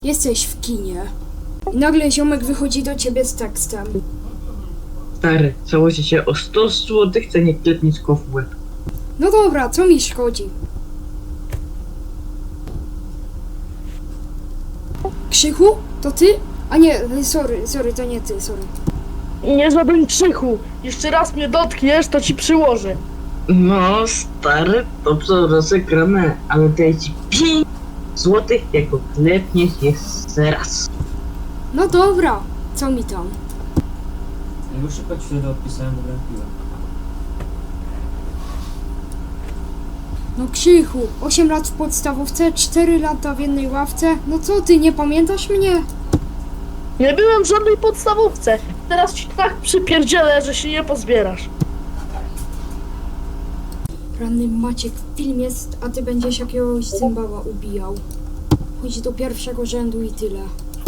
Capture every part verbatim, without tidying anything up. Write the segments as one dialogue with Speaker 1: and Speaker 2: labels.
Speaker 1: Jesteś w kinie. I nagle ziomek wychodzi do ciebie z tekstem.
Speaker 2: Stary, założy się o sto złotych, chce nie klepnić go w łeb.
Speaker 1: No dobra, co mi szkodzi? Krzychu? To ty? A nie, sorry, sorry, to nie ty, sorry.
Speaker 3: Nie żaden Krzychu. Jeszcze raz mnie dotkniesz, to ci przyłożę.
Speaker 2: No, stary, dobrze rozegrane, ale daję ci pięć złotych, jak go klepniesz jeszcze raz.
Speaker 1: No dobra, co mi tam?
Speaker 4: Już szybko ci wtedy odpisałem, bo grałem w piłę.
Speaker 1: No Krzychu, osiem lat w podstawówce, cztery lata w jednej ławce. No co ty, nie pamiętasz mnie?
Speaker 3: Nie byłem w żadnej podstawówce. Teraz ci tak przypierdzielę, że się nie pozbierasz.
Speaker 1: Ranny Maciek, film jest, a ty będziesz jakiegoś cymbała ubijał. Chodź do pierwszego rzędu i tyle.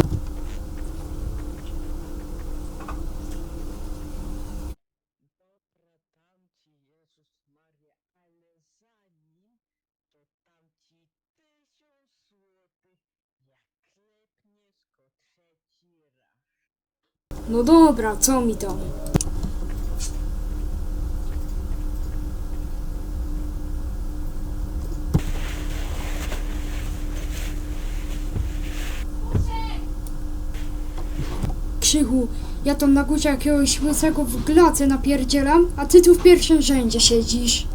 Speaker 1: No dobra, co mi tam? Krzychu, ja tam na górze jakiegoś łysego w glace napierdzielam, a ty tu w pierwszym rzędzie siedzisz.